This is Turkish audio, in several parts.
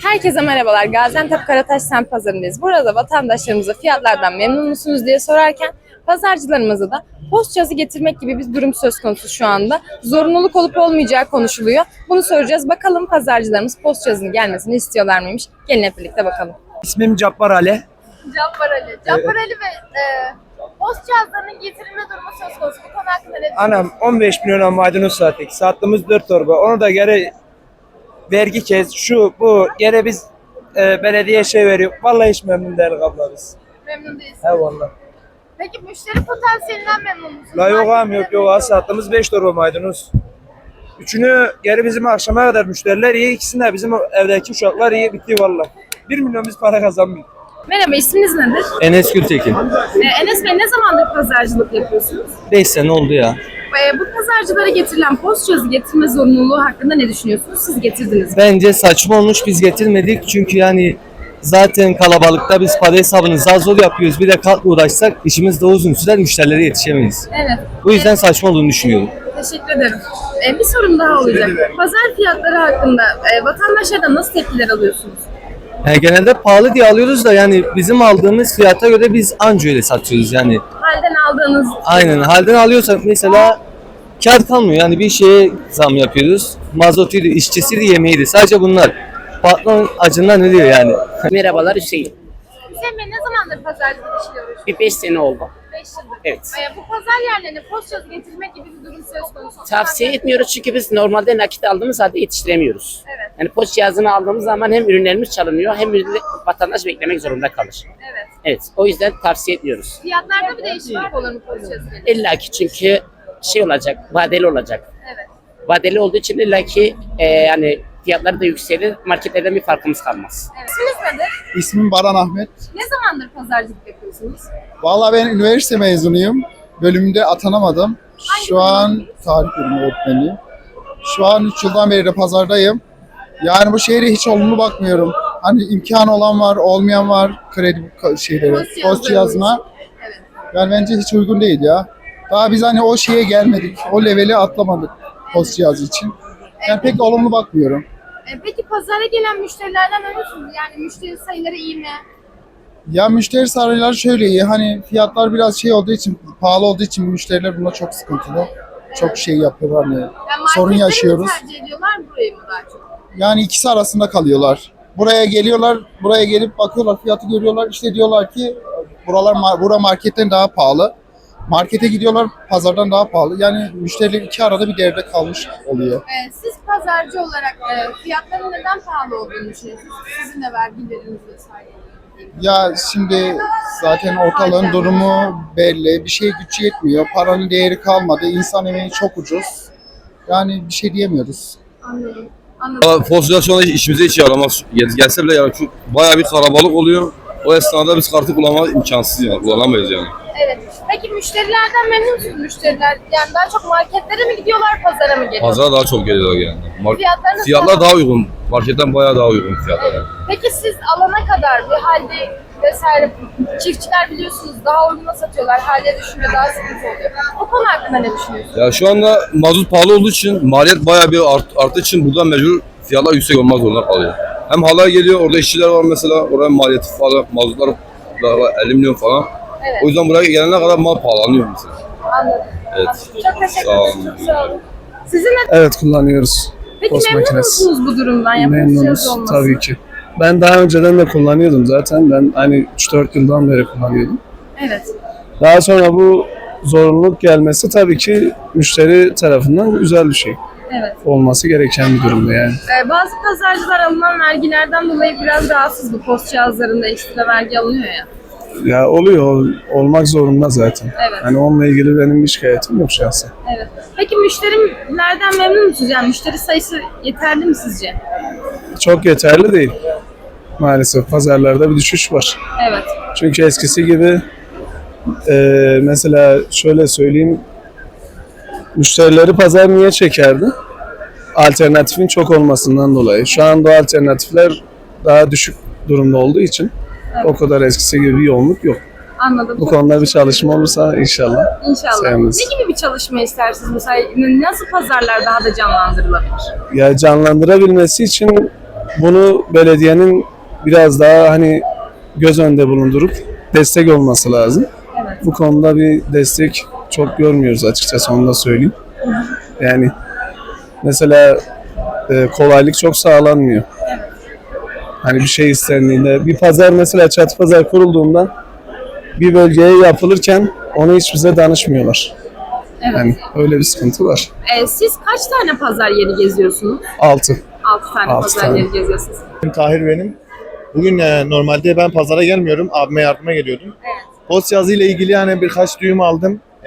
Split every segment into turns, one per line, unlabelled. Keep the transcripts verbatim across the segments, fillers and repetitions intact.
Herkese merhabalar. Gaziantep Karataş Semt Pazarı'ndayız. Burada vatandaşlarımıza fiyatlardan memnun musunuz diye sorarken pazarcılarımıza da post cihazı getirmek gibi bir durum söz konusu şu anda. Zorunluluk olup olmayacağı konuşuluyor. Bunu soracağız. Bakalım pazarcılarımız post cihazının gelmesini istiyorlar mıymış? Gelin hep birlikte bakalım.
İsmim Cabbar Ali.
Cabbar Ali. Cabbar Ali ve e, post cihazlarının getirilme durumu söz konusu. Bu konu hakkında ne düşünüyorsunuz?
Anam on beş milyon maydanoz sattık. Sattığımız dört torba. Onu da geri vergi kes. Şu bu geri biz e, belediye şey veriyor. Vallahi hiç memnun değiliz abla biz.
Memnun değilsiniz.
He vallahi.
Peki müşteri potansiyelinden memnun musunuz?
La yok ağam yok
Marketten
yok. Az sattığımız beş torba maydanoz. Üçünü geri bizim akşama kadar müşteriler iyi. İkisini de bizim evdeki uşaklar iyi. Bitti vallahi. Bir milyon biz para kazanmıyoruz.
Merhaba, isminiz nedir?
Enes Gültekin.
Ee, Enes Bey, ne zamandır pazarcılık yapıyorsunuz?
beş sene oldu ya.
Ee, bu pazarcılara getirilen post cihazı getirme zorunluluğu hakkında ne düşünüyorsunuz? Siz getirdiniz mi?
Bence saçma olmuş, biz getirmedik. Çünkü yani zaten kalabalıkta biz para hesabını zar zor yapıyoruz. Bir de kalk uğraşsak işimiz de uzun sürer, müşterilere yetişemeyiz.
Evet.
Bu yüzden saçma olduğunu düşünüyorum.
Teşekkür ederim. Ee, bir sorum daha olacak. Pazar fiyatları hakkında e, vatandaşlardan nasıl tepkiler alıyorsunuz?
Yani genelde pahalı diye alıyoruz da yani bizim aldığımız fiyata göre biz anca öyle satıyoruz yani.
Halden aldığınız...
Aynen, halden alıyorsak mesela kar kalmıyor. Yani bir şeye zam yapıyoruz. Mazotuydu, işçisiydi, yemeğiydi. Sadece bunlar. Patron acından ölüyor yani.
Merhabalar Hüseyin.
Hüseyin Bey, ne zamandır pazarcılık işiyle uğraşıyorsunuz?
Bir beş sene oldu.
beş yıldır.
Evet.
Ee, bu pazar yerlerine post cihazı getirmek gibi bir durum söz konusu.
Tavsiye etmiyoruz çünkü biz normalde nakit aldığımız halde yetiştiremiyoruz.
Evet.
Yani post cihazını aldığımız zaman hem ürünlerimiz çalınıyor hem ürünle- vatandaş beklemek zorunda kalır.
Evet.
Evet. O yüzden tavsiye etmiyoruz.
Fiyatlarda bir değişiklik olur mu post cihazı gelince?
İlla ki çünkü şey olacak, vadeli olacak.
Evet.
Vadeli olduğu için illa ki e, yani fiyatları da yükselir, marketlerden bir farkımız kalmaz.
Evet. İsminiz nedir?
İsmim Baran Ahmet.
Ne zamandır pazarcılık yapıyorsunuz?
Vallahi ben üniversite mezunuyum. Bölümünde atanamadım. Şu an tarih bölümü öğretmeniyim. Şu an üç yıldan beri de pazardayım. Yani bu şehre hiç olumlu bakmıyorum. Hani imkanı olan var, olmayan var kredi ka- şeyleri,
Post cihazları
post cihazına.
Evet.
Yani bence hiç uygun değil ya. Daha biz hani o şeye gelmedik, o leveli atlamadık post cihazı için. Yani pek olumlu bakmıyorum.
E, peki pazara gelen müşterilerden memnun musunuz? Yani müşteri sayıları iyi mi?
Ya müşteri sayıları şöyle iyi, hani fiyatlar biraz şey olduğu için, pahalı olduğu için müşteriler buna çok sıkıntılı. Çok şey yapıyorlar hani,
Yani
sorun
marketleri mi
yaşıyoruz.
tercih ediyorlar, burayı mı daha çok?
Yani ikisi arasında kalıyorlar. Buraya geliyorlar, buraya gelip bakıyorlar, fiyatı görüyorlar. İşte diyorlar ki buralar mar- bura marketten daha pahalı. Markete gidiyorlar, pazardan daha pahalı. Yani müşteriler iki arada bir devre kalmış oluyor.
E, siz pazarcı olarak e, fiyatların neden pahalı olduğunu düşünüyorsunuz? Sizin de vergileriniz vesaire.
Ya şimdi zaten ortalığın durumu belli. Bir şey güç yetmiyor. Paranın değeri kalmadı. İnsan emeği çok ucuz. Yani bir şey diyemiyoruz.
Anladım. Anladım.
Valla Fosfor şu anda işimize hiç yaramaz. Gel- Gelse bile yani çok bayağı bir kalabalık oluyor. O esnada biz kartı kullanmak imkansız yani. Kullanamayız yani.
Evet. Peki müşterilerden memnun musunuz müşteriler? Yani daha çok marketlere mi gidiyorlar, pazara mı geliyorlar?
Pazara daha çok geliyor yani. Mar-
Fiyatlarınız
Fiyatlar
daha-
daha uygun. Marketten bayağı daha uygun fiyatlar yani.
Peki siz alana kadar bir halde vesaire çiftçiler biliyorsunuz daha uyguna satıyorlar. Halde düşünce daha sıkıntı oluyor. O konu hakkında ne düşünüyorsunuz?
Ya şu anda mazot pahalı olduğu için maliyet bayağı bir art, arttığı için buradan mecbur fiyatlar yüksek olmak zorunda kalıyor. Hem halay geliyor, orada işçiler var mesela, oraya maliyeti falan, mazotlar da var, elli milyon falan.
Evet.
O yüzden buraya gelene kadar mal pahalanıyor mesela.
Anladım.
Evet.
Çok teşekkür
Sağ
ederim.
olun.
Çok sağ olun. Sizin de
Evet, kullanıyoruz.
peki
Post
memnun
makinesi.
musunuz bu durumdan? Ya, post
Memnunuz
cihazı olması?
tabii ki. Ben daha önceden de kullanıyordum zaten. Ben hani üç dört yıldan beri kullanıyordum.
Evet.
Daha sonra bu zorunluluk gelmesi tabii ki müşteri tarafından güzel bir şey.
Evet.
Olması gereken bir durumda yani.
Ee, bazı pazarcılar alınan vergilerden dolayı biraz rahatsız, bu post cihazlarında ekstra vergi alınıyor ya.
Ya oluyor, olmak zorunda zaten.
Evet.
Hani onunla ilgili benim bir şikayetim yok şahsen.
Evet. Peki müşterilerden memnun musunuz? Yani müşteri sayısı yeterli mi sizce?
Çok yeterli değil. Maalesef pazarlarda bir düşüş var.
Evet.
Çünkü eskisi gibi e, mesela şöyle söyleyeyim, müşterileri pazar niye çekerdi? Alternatifin çok olmasından dolayı. Şu anda o alternatifler daha düşük durumda olduğu için
Evet.
o kadar eskisi gibi bir yoğunluk yok.
Anladım.
Bu konuda bir çalışma olursa inşallah.
İnşallah.
seviniz.
Ne gibi bir çalışma istersiniz? Mesela nasıl pazarlar daha da canlandırılabilir?
Ya canlandırabilmesi için bunu belediyenin biraz daha hani göz önünde bulundurup destek olması lazım.
Evet.
Bu konuda bir destek çok görmüyoruz açıkçası, onu da söyleyeyim. Yani mesela e, kolaylık çok sağlanmıyor. Hani bir şey istendiğinde, bir pazar mesela çatı pazar kurulduğunda bir bölgeye yapılırken onu hiç bize danışmıyorlar.
Evet.
Yani öyle bir sıkıntı var.
Ee, siz kaç tane pazar yeri geziyorsunuz?
Altı.
altı tane
Altı
pazar
tane.
yeri geziyorsunuz.
Tahir benim. Bugün e, normalde ben pazara gelmiyorum. Abime yardıma geliyordum.
Evet.
Post yazı ile ilgili hani birkaç düğüm aldım. E,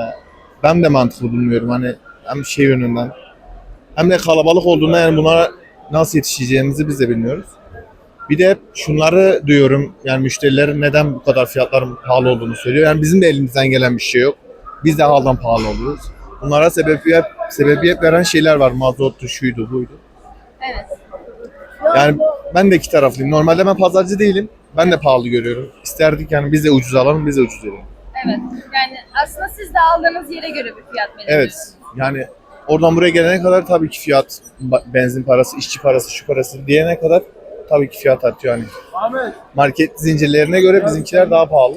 ben de mantıklı bulmuyorum. Hani hem şey yönünden hem de kalabalık olduğunda yani bunlara nasıl yetişeceğimizi biz de bilmiyoruz. Bir de hep şunları duyuyorum. Yani müşterilerin neden bu kadar fiyatların pahalı olduğunu söylüyor. Yani bizim de elimizden gelen bir şey yok. Biz de haldan pahalı oluyoruz. Bunlara sebebiyet, sebebiyet veren şeyler var. Mazottu, şuydu, buydu.
Evet.
Yani ben de iki taraflıyım. Normalde ben pazarcı değilim. Ben de pahalı görüyorum. İsterdik yani biz de ucuz alalım, biz de ucuz verelim.
Evet. Yani aslında siz de aldığınız yere göre bir fiyat
Evet.
belirliyorsunuz.
Yani oradan buraya gelene kadar tabii ki fiyat, ba- benzin parası, işçi parası, şu parası diyene kadar tabii ki fiyat artıyor. Yani market zincirlerine göre bizimkiler daha pahalı.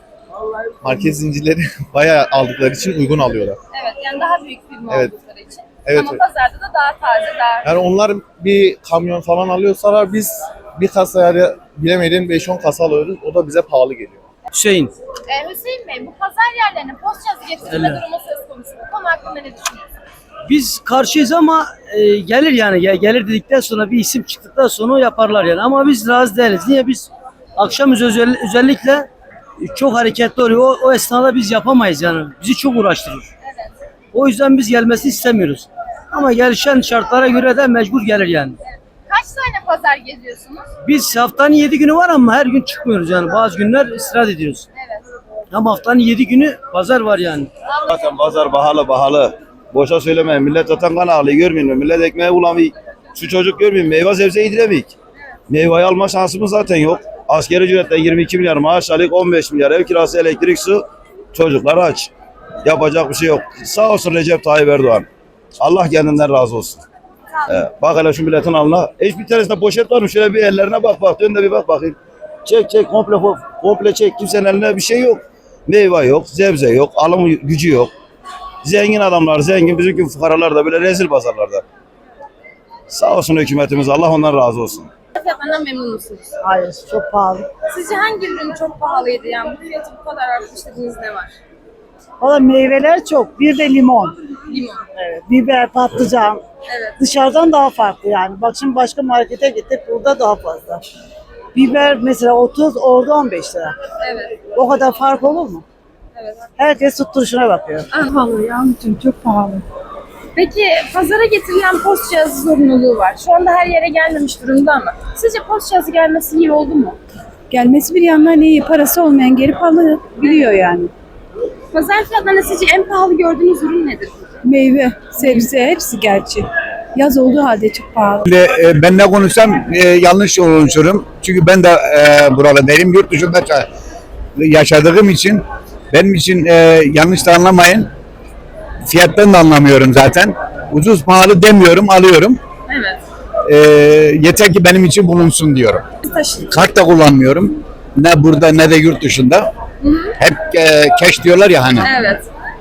Market zincirleri bayağı aldıkları için uygun alıyorlar.
Evet. Yani daha büyük firma
Evet.
oldukları için.
Evet,
Ama
evet.
pazarda da daha taze, daha...
Yani onlar bir kamyon falan alıyorsalar biz bir kasa yani bilemedin beş on kasa alıyoruz. O da bize pahalı geliyor.
Hüseyin.
Ee, Hüseyin Bey, bu pazar yerlerine post yazı getirme durumu söz konusu. Bu konu hakkında ne düşünüyorsunuz?
Biz karşıyız ama e, gelir yani Gel- gelir dedikten sonra bir isim çıktıktan sonra o yaparlar yani ama biz razı değiliz. Niye biz akşam özel- özellikle e, çok hareketli oluyor. O, o esnada biz yapamayız yani. Bizi çok uğraştırır.
Evet.
O yüzden biz gelmesini istemiyoruz. Ama gelişen şartlara göre de mecbur gelir yani.
Kaç tane pazar geziyorsunuz?
Biz haftanın yedi günü var ama her gün çıkmıyoruz yani. Bazı günler istirahat ediyoruz.
Evet.
Ama haftanın yedi günü pazar var yani.
Zaten pazar pahalı pahalı. Boşa söylemeyin. Millet zaten kan ağlıyor, görmüyor musun? Millet ekmeği bulamıyor. Şu çocuk görmüyor musun? Meyve sebze yediremiyor. Meyveyi alma şansımız zaten yok. Asgari ücretle yirmi iki milyar maaş alıyor, on beş milyar ev kirası, elektrik, su. Çocuklar aç. Yapacak bir şey yok. Sağ olsun Recep Tayyip Erdoğan. Allah kendinden razı olsun. Ee, bak hele şu milletin alnına. Hiçbir tanesinde poşet var mı? Şöyle bir ellerine bak bak. Dön de bir bak bakayım. Çek çek komple komple çek. Kimsenin eline bir şey yok. Meyve yok, sebze yok, alım gücü yok. Zengin adamlar zengin, bizim gibi fukaralar da böyle rezil pazarlarda. Sağ olsun hükümetimiz, Allah ondan razı olsun.
Fiyatlarından memnun musunuz?
Hayır, çok pahalı.
Sizce hangi ürün çok pahalıydı? Yani bu fiyatı bu kadar artmış dediğiniz ne var?
Valla meyveler çok. Bir de limon.
Limon.
Evet. Biber, patlıcan.
Evet.
Dışarıdan daha farklı yani. Bak şimdi başka markete gittik, burada daha fazla. Biber mesela otuz, orada on beş lira.
Evet.
O kadar fark olur mu?
Evet.
Herkes tutturuşuna bakıyor.
Pahalı ya, çok pahalı. Peki pazara getirilen post cihazı zorunluluğu var. Şu anda her yere gelmemiş durumda ama sizce post cihazı gelmesi iyi oldu mu?
Gelmesi bir yandan iyi, parası olmayan gelip alabiliyor yani.
Pazar fiyatlarında sizce en pahalı gördüğünüz ürün nedir?
Meyve, sebze hepsi gerçi. Yaz olduğu halde çok pahalı.
Ben ne konuşsam e, yanlış konuşurum. Çünkü ben de e, buralardayım. Yurt dışında yaşadığım için benim için e, yanlış da anlamayın. Fiyattan da anlamıyorum zaten. Ucuz pahalı demiyorum, alıyorum.
Evet.
E, yeter ki benim için bulunsun diyorum.
Taşı.
Kart da kullanmıyorum. Ne burada ne de yurt dışında.
Hı hı.
Hep e, cash diyorlar ya hani.
Evet.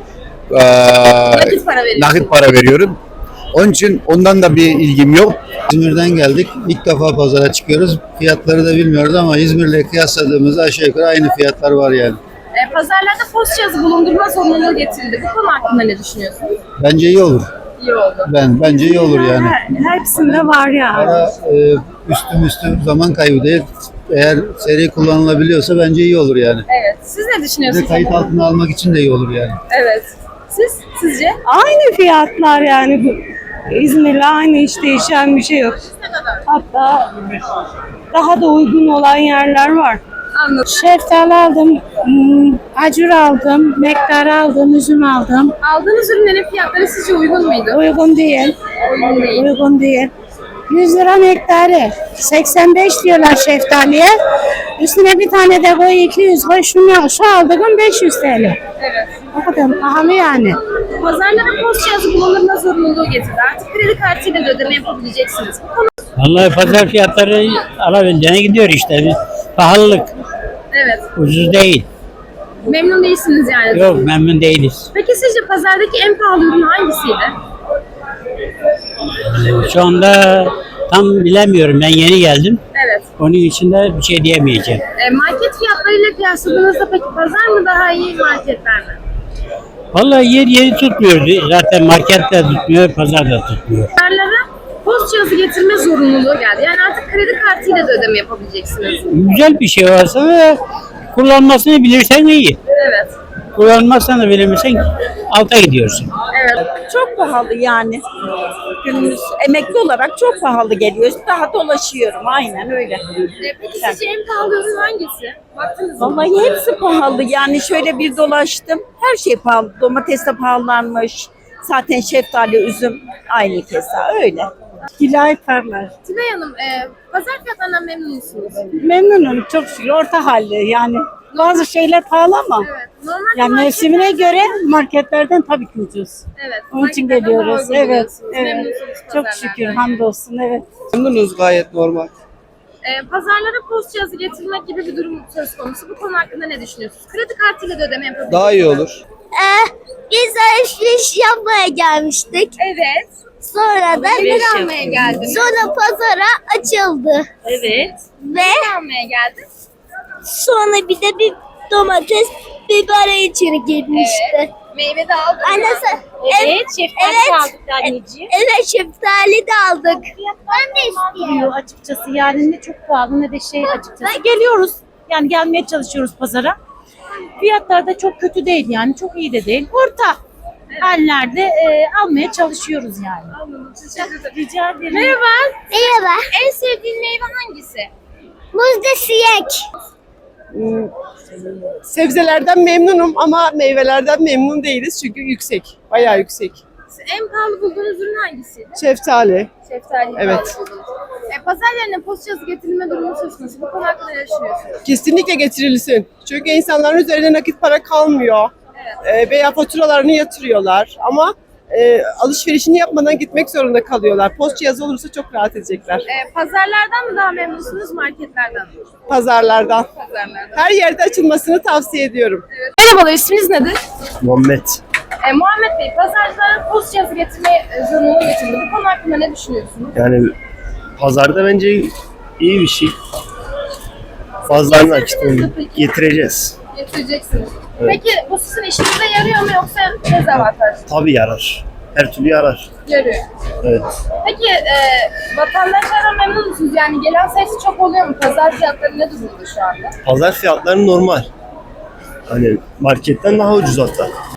E,
Nakit para veriyorsun.
nakit para veriyorum. Onun için ondan da bir ilgim yok.
İzmir'den geldik. İlk defa pazara çıkıyoruz. Fiyatları da bilmiyoruz ama İzmir'le kıyasladığımızda aşağı yukarı aynı fiyatlar var yani.
E, pazarlarda post cihazı bulundurma zorunluluğu getirildi. Bu konu hakkında ne düşünüyorsunuz?
Bence iyi olur.
İyi oldu.
Ben bence iyi olur yani.
Hepsinde var ya.
Para e, üstü üstü zaman kaybı değil. Eğer seri kullanılabiliyorsa bence iyi olur yani.
Evet. Siz ne
Bir de
düşünüyorsunuz?
kayıt altına almak için de iyi olur yani.
Evet. Siz? Sizce?
Aynı fiyatlar yani. İzmir'le aynı, hiç değişen bir şey yok.
Ne kadar?
Hatta daha da uygun olan yerler var.
Anladım.
Şeftali aldım, hmm, acur aldım, nektar aldım, üzüm aldım.
Aldığınız ürünlerin fiyatları sizce uygun muydu?
Uygun değil,
Uygun değil.
uygun değil. yüz lira nektarı, seksen beş diyorlar şeftaliye. Üstüne bir tane de koy iki yüz koy, şunu, şu aldığım beş yüz T L.
Evet.
O kadar pahalı yani.
Pazarlara post cihazı bulundurma zorunluluğu getirdi. Artık kredi kartıyla da ödeme yapabileceksiniz. Bu konu
Vallahi pazar fiyatları alabildiğine gidiyor işte. Pahalılık,
Evet.
ucuz değil.
Memnun değilsiniz yani.
Yok, memnun değiliz.
Peki sizce pazardaki en pahalı ürün hangisiydi?
Şu anda tam bilemiyorum. Ben yeni geldim.
Evet.
Onun için de bir şey diyemeyeceğim.
E, market fiyatlarıyla kıyasladığınızda peki pazar mı daha iyi, marketler mi?
Vallahi yer yeri tutmuyor. Zaten market de tutmuyor, pazar da tutmuyor.
Pazarlara post cihazı getirme zorunluluğu geldi. Yani artık kredi kartıyla da ödeme yapabileceksiniz.
Güzel bir şey varsa da kullanmasını bilirsen iyi.
Evet.
Kullanmazsan da bilemezsen alta gidiyorsun.
Evet.
Çok pahalı yani. Günümüz emekli olarak çok pahalı geliyor. Daha dolaşıyorum aynen öyle.
E, peki sizce en pahalı ürün hangisi? Baktınız mı?
Vallahi hepsi pahalı. Yani şöyle bir dolaştım. Her şey pahalı. Domates de pahalanmış. Zaten şeftali, üzüm aynı kesa öyle.
Kilay parlar.
Tülay Hanım, e, pazar fiyatlarından memnun musunuz?
Memnunum çok şükür orta halli yani. Bazı şeyler pahalı ama
Evet. Normalde
yani
marketler-
mevsimine göre marketlerden tabii ki ucuz.
Evet.
Onun için
marketlerden daha
geliyoruz.
uygun
Evet,
buluyorsunuz.
evet.
Memnunsunuz
Çok
pazarlardan.
şükür hamdolsun evet.
Memnunuz gayet normal.
E, pazarlara post cihazı getirmek gibi bir durum söz konusu. Bu konu hakkında ne düşünüyorsunuz? Kredi kartıyla da ödeme yapabilirsiniz.
Daha iyi olur.
Biz alışveriş yapmaya gelmiştik.
Evet.
Sonra da
Neler almaya geldiniz?
sonra pazara açıldı.
Evet.
Ve
Ne almaya geldin?
sonra bir de bir domates, biber içeri girmişti.
Meyve de aldın mı?
Anne sen,
Evet, şeftali
evet,
de aldık anneciğim.
evet şeftali de aldık. Ben de istiyorum.
Açıkçası yani ne çok pahalı ne de şey açıkçası. Geliyoruz yani gelmeye çalışıyoruz pazara. Fiyatlar da çok kötü değil yani çok iyi de değil. Orta hallerde e, almaya çalışıyoruz yani.
Anladım. Teşekkür ederim.
Rica ederim.
Merhaba.
Merhaba.
En sevdiğin meyve hangisi?
Muzda siyek.
Sebzelerden memnunum ama meyvelerden memnun değiliz çünkü yüksek. Bayağı yüksek.
En pahalı bulduğunuz ürün hangisiydi?
Şeftali.
Şeftali
Evet.
pahalı buldunuz. E, pazar yerine post cihazı getirilme durumu söz konusu. Bu konu hakkında ne düşünüyorsunuz?
Kesinlikle getirilsin. Çünkü insanların üzerine nakit para kalmıyor.
Evet.
E, veya faturalarını yatırıyorlar ama e, alışverişini yapmadan gitmek zorunda kalıyorlar. Post cihazı olursa çok rahat edecekler.
E, pazarlardan mı daha memnunsunuz, marketlerden mi?
Pazarlardan.
Pazarlardan.
Her yerde açılmasını tavsiye ediyorum.
Evet. Merhabalar, isminiz nedir?
Muhammed.
E, Muhammed Bey, pazarlara post cihazı getirme e, zorunluluğu getirdi. Bu konu hakkında ne düşünüyorsunuz?
Yani pazarda bence iyi bir şey. Fazla nakit getireceğiz.
Getireceksiniz.
Evet.
Peki bu sizin işinize yarıyor mu yoksa dezavantaj?
Tabii yarar. Her türlü yarar.
Yarıyor.
Evet.
Peki e, vatandaşlardan memnun musunuz? Yani gelen sayısı çok oluyor mu? Pazar fiyatları ne durumda şu anda?
Pazar fiyatları normal. Hani marketten daha ucuz hatta.